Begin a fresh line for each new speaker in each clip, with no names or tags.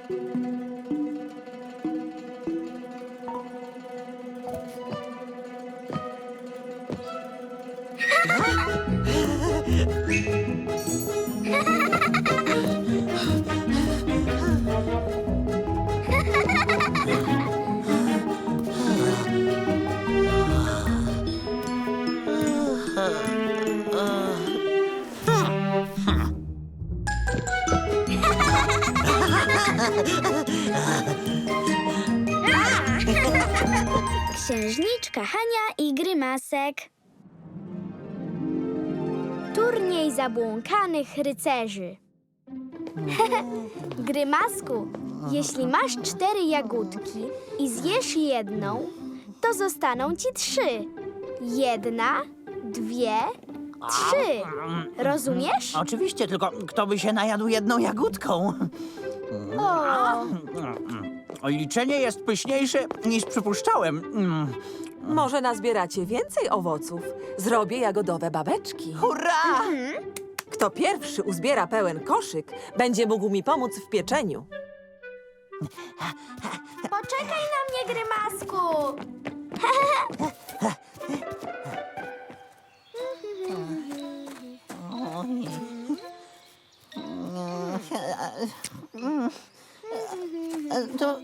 Księżniczka Hania i Grymasek. Turniej zabłąkanych rycerzy. Grymasku, jeśli masz 4 jagódki i zjesz jedną, to zostaną ci 3. 1, 2, 3. Rozumiesz?
Oczywiście, tylko kto by się najadł jedną jagódką?
O,
Liczenie jest pyszniejsze niż przypuszczałem.
Może nazbieracie więcej owoców. Zrobię jagodowe babeczki.
Hurra!
Kto pierwszy uzbiera pełen koszyk, będzie mógł mi pomóc w pieczeniu.
poczekaj na mnie, Grymasku.
To...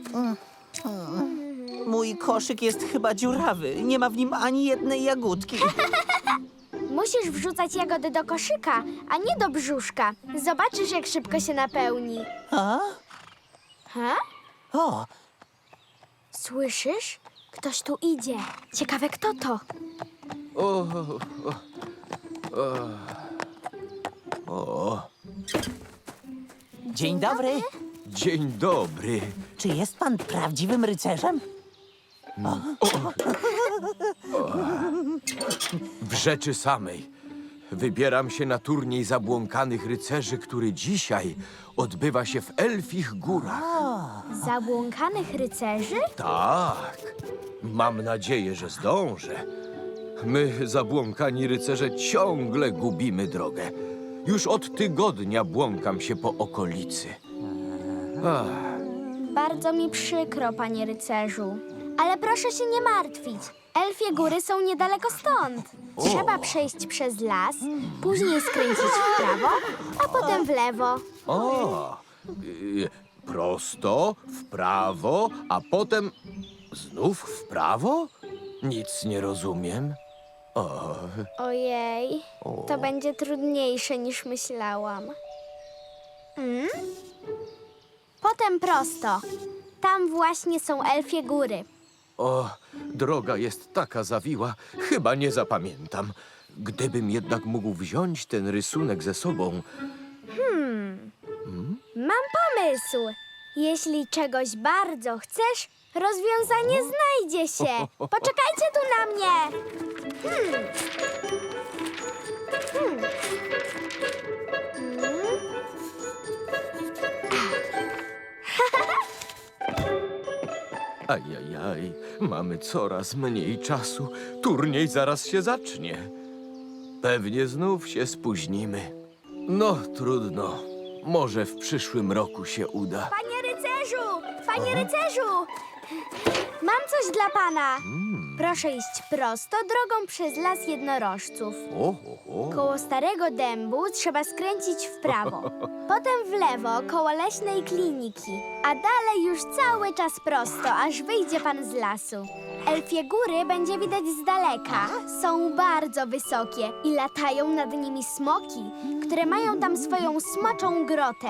Mój koszyk jest chyba dziurawy. Nie ma w nim ani jednej jagódki.
Musisz wrzucać jagody do koszyka, a nie do brzuszka. Zobaczysz, jak szybko się napełni.
A?
Ha?
O,
Słyszysz? Ktoś tu idzie. Ciekawe, kto to?
dzień dobry.
Dzień dobry.
Czy jest pan prawdziwym rycerzem?
W rzeczy samej. Wybieram się na turniej zabłąkanych rycerzy, który dzisiaj odbywa się w Elfich Górach.
Zabłąkanych rycerzy?
Tak. Mam nadzieję, że zdążę. My, zabłąkani rycerze, ciągle gubimy drogę. Już od tygodnia błąkam się po okolicy.
Bardzo mi przykro, panie rycerzu. Ale proszę się nie martwić. Elfie góry są niedaleko stąd. Trzeba przejść przez las, później skręcić w prawo, a potem w lewo.
Prosto, w prawo, a potem znów w prawo? Nic nie rozumiem.
Ojej, to będzie trudniejsze niż myślałam. Potem prosto. Tam właśnie są Elfie góry.
Droga jest taka zawiła, chyba nie zapamiętam. Gdybym jednak mógł wziąć ten rysunek ze sobą.
Mam pomysł. Jeśli czegoś bardzo chcesz, rozwiązanie znajdzie się. Poczekajcie tu na mnie.
Ajajaj, mamy coraz mniej czasu. Turniej zaraz się zacznie. Pewnie znów się spóźnimy. No, trudno. Może w przyszłym roku się uda.
Panie rycerzu! Panie rycerzu! Mam coś dla pana. Proszę iść prosto drogą przez las jednorożców. Koło starego dębu trzeba skręcić w prawo. Potem w lewo koło leśnej kliniki. A dalej już cały czas prosto, aż wyjdzie pan z lasu. Elfie góry będzie widać z daleka. Są bardzo wysokie i latają nad nimi smoki, które mają tam swoją smoczą grotę.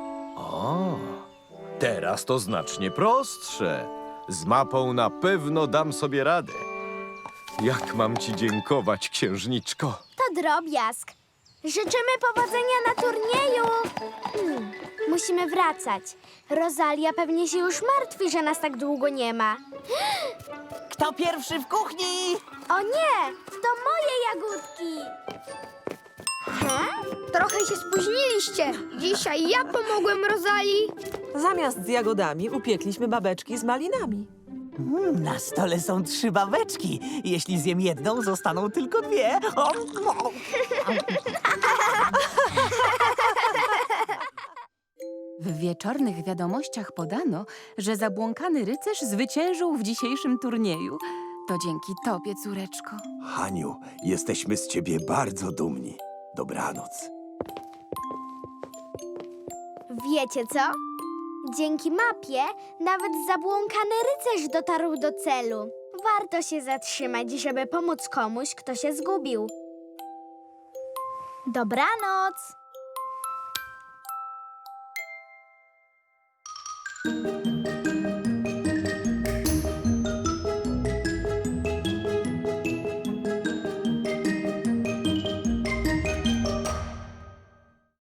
Teraz to znacznie prostsze. Z mapą na pewno dam sobie radę. Jak mam ci dziękować, księżniczko?
To drobiazg. Życzymy powodzenia na turnieju. Musimy wracać. Rosalia pewnie się już martwi, że nas tak długo nie ma.
Kto pierwszy w kuchni?
O nie, to moje jagódki.
Trochę się spóźniliście. Dzisiaj ja pomogłem Rosalii.
Zamiast z jagodami upiekliśmy babeczki z malinami.
Na stole są 3 babeczki. Jeśli zjem jedną, zostaną tylko 2.
W wieczornych wiadomościach podano, że zabłąkany rycerz zwyciężył w dzisiejszym turnieju. To dzięki tobie, córeczko.
Haniu, jesteśmy z ciebie bardzo dumni. Dobranoc.
Wiecie co? Dzięki mapie nawet zabłąkany rycerz dotarł do celu. Warto się zatrzymać, żeby pomóc komuś, kto się zgubił. Dobranoc!